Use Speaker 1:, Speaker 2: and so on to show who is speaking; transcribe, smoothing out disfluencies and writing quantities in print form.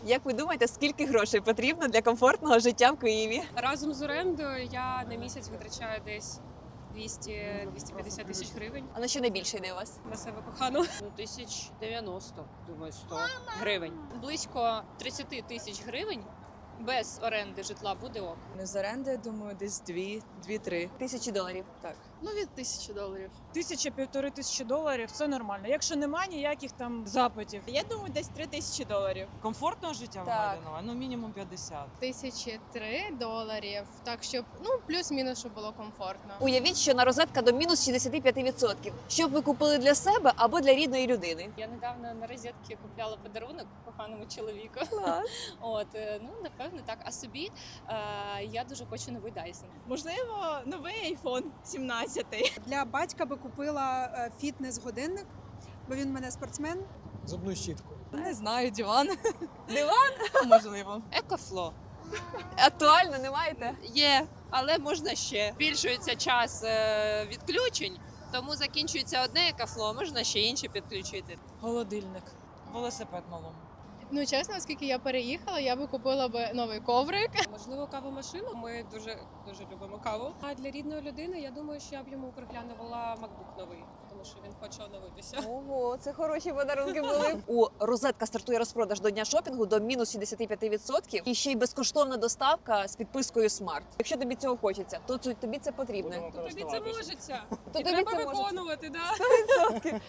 Speaker 1: Як ви думаєте, скільки грошей потрібно для комфортного життя в Києві?
Speaker 2: Разом з орендою я на місяць витрачаю десь 200-250 тисяч гривень
Speaker 1: А на що найбільше йде у вас?
Speaker 2: на себе кохану.
Speaker 3: Ну, 1090, думаю, 100 гривень. Близько 30 тисяч гривень без оренди житла буде ок.
Speaker 4: Не з оренди, думаю, десь 2-3.
Speaker 1: $1000.
Speaker 4: Так.
Speaker 5: Ну, від $1000.
Speaker 6: 1000-1500 доларів це нормально. Якщо немає ніяких там запитів.
Speaker 7: Я думаю, десь $3000.
Speaker 4: Комфортного життя
Speaker 1: Так.
Speaker 4: вимагає, ну мінімум 50.
Speaker 5: $1003. Так, щоб, плюс-мінус, щоб було комфортно.
Speaker 1: Уявіть, що на розетка до мінус 65%. Що б ви купили для себе або для рідної людини?
Speaker 3: Я недавно на розетки купляла подарунок коханому чоловіку. От, напевно, так. А собі я дуже хочу новий Dyson.
Speaker 7: Можливо, новий iPhone 17.
Speaker 8: Для батька би купила фітнес-годинник, бо він в мене спортсмен.
Speaker 9: Зубну щітку.
Speaker 4: Не знаю, диван.
Speaker 1: Диван?
Speaker 4: Можливо.
Speaker 3: Екофло.
Speaker 1: Актуально, не маєте?
Speaker 3: Є, але можна ще. Збільшується час відключень, тому закінчується одне екофло, можна ще інше підключити.
Speaker 6: Холодильник.
Speaker 4: Велосипед малому.
Speaker 5: Ну, чесно, оскільки я переїхала, я би купила новий коврик.
Speaker 2: Можливо, кавомашину. Ми дуже любимо каву. А для рідної людини, я думаю, що я б йому приглянула MacBook новий, тому що він хоче оновитися.
Speaker 1: Ого, це хороші подарунки були. У розетка стартує розпродаж до дня шопінгу до мінус 65%. І ще й безкоштовна доставка з підпискою Smart. Якщо тобі цього хочеться, то тобі це потрібно.
Speaker 2: Тобі це можеться.
Speaker 1: То
Speaker 2: І
Speaker 1: тобі
Speaker 2: треба
Speaker 1: це можеться.
Speaker 2: виконувати, да.